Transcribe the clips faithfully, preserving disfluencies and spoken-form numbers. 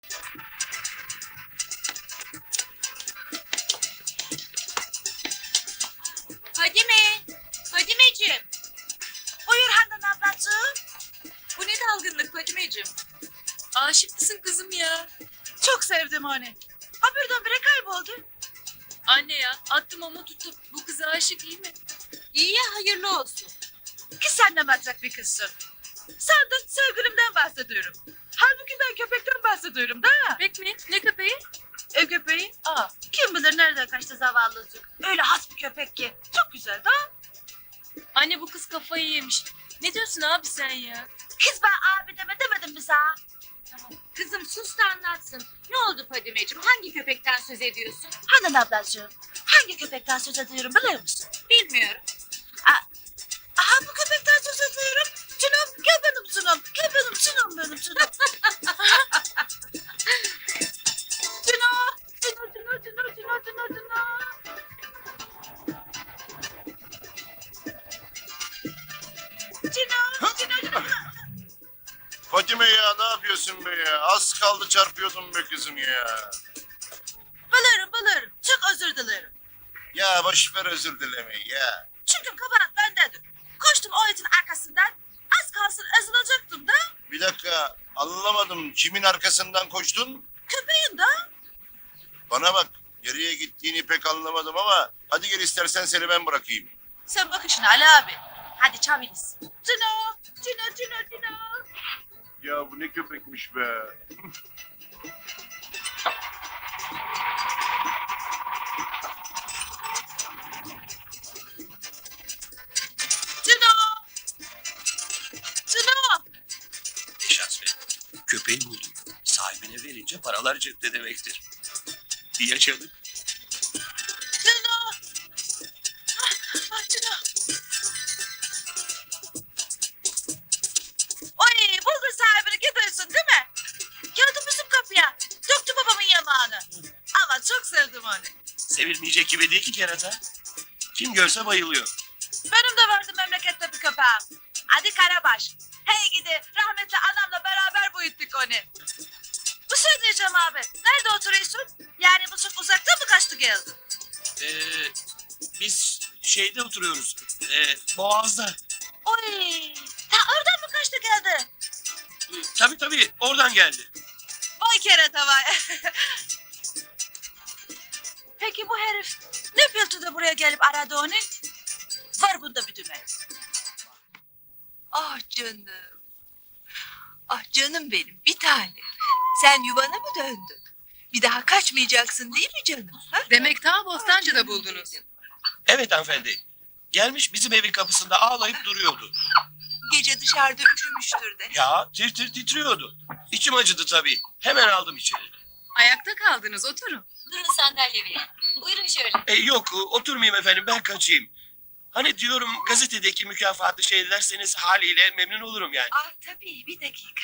Fadime, Fadimeciğim. Buyur Handan ablacığım. Bu ne dalgınlık Fadimeciğim? Aşık mısın kızım ya? Çok sevdim onu. Ha birdenbire kayboldu. Anne ya, attım ama tuttum. Bu kıza aşık iyi mi? İyi ya, hayırlı olsun. Ki sen ne matrak bir kızsın. Sen de sevgilimden bahsediyorum. Halbuki ben köpekten bahsediyorum da. Köpek mi? Ne köpeği? Ev köpeği. Aa, Kim bilir nereden kaçtı zavallıcık. Öyle has bir köpek ki. Çok güzel da. anne bu kız kafayı yemiş. Ne diyorsun abi sen ya? Kız ben abi deme demedim mi sana? Tamam. Kızım sus da anlatsın. Ne oldu Fadimeciğim? Hangi köpekten söz ediyorsun? Handan ablacığım. Hangi köpekten söz ediyorum biliyor musun? Bilmiyorum. Aha bu köpekten söz ediyorum. Cunum gel benim cunum. Gel benim cunum benim cunum. Cuno. Cuno cuno cuno cuno cuno cuno. Cuno cuno cuno. Fatime ya ne yapıyorsun be ya? Az kaldı çarpıyordum be kızım ya. Bilirim bilirim. Çok özür dilerim. Ya boş ver özür dilemeyi ya. Çünkü kabahat bendedir. Koştum o itin arkasından. Az kalsın ezilecektim de. Bir dakika anlamadım. Kimin arkasından koştun? Köpeğin de. Bana bak. Nereye gittiğini pek anlamadım ama hadi gel istersen seni ben bırakayım. Sen bak işine Ali abi. Hadi çabiniz. Cuno. Cuno cuno cuno. Ya bu ne köpekmiş be. Cuno. Cuno. Ne şans be. Köpeği buldum. Sahibine verince paralar cepte demektir. Yaşadık. Cuno. Ah, ah Cuno. Oy buldun sahibini gidiyorsun değil mi? Geldi bizim kapıya. Döktü babamın yamağını. Ama çok sevdim onu. Sevilmeyecek gibi değil ki kerata. Kim görse bayılıyor. Benim de vardı memlekette bir köpeğim. Adı Karabaş. Hey gidi rahmetli anamla beraber büyüttük onu. Bu şey diyeceğim abi. Nerede oturuyorsun? Yani bu çok uzakta mı kaçtı geldi? Ee, biz şeyde oturuyoruz. Ee, Boğaz'da. Oy. Ta oradan mı kaçtı geldi? Ee, tabii tabii oradan geldi. Vay kerata vay. Peki bu herif ne bildi de buraya gelip aradı onu? Var bunda bir dümen. Ah canım. Ah canım benim bir tane. Sen yuvana mı döndün? Bir daha kaçmayacaksın değil mi canım? Ha? Demek ta Bostancı'da buldunuz. Evet hanımefendi. Gelmiş bizim evin kapısında ağlayıp duruyordu. Gece dışarıda üşümüştür de. Ya tir tir titriyordu. İçim acıdı tabii. Hemen aldım içeri. Ayakta kaldınız, oturun. Durun sandalye verin. Buyurun şöyle. E, yok oturmayayım efendim ben kaçayım. Hani diyorum gazetedeki mükafatı şeylerseniz haliyle memnun olurum yani. Ah tabii bir dakika.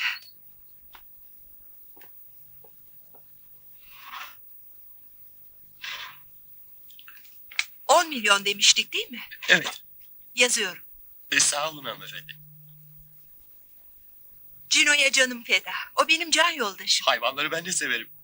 On milyon demiştik değil mi? Evet. Yazıyorum. E, sağ olun hanımefendi. Cino'ya canım feda. O benim can yoldaşım. Hayvanları ben de severim.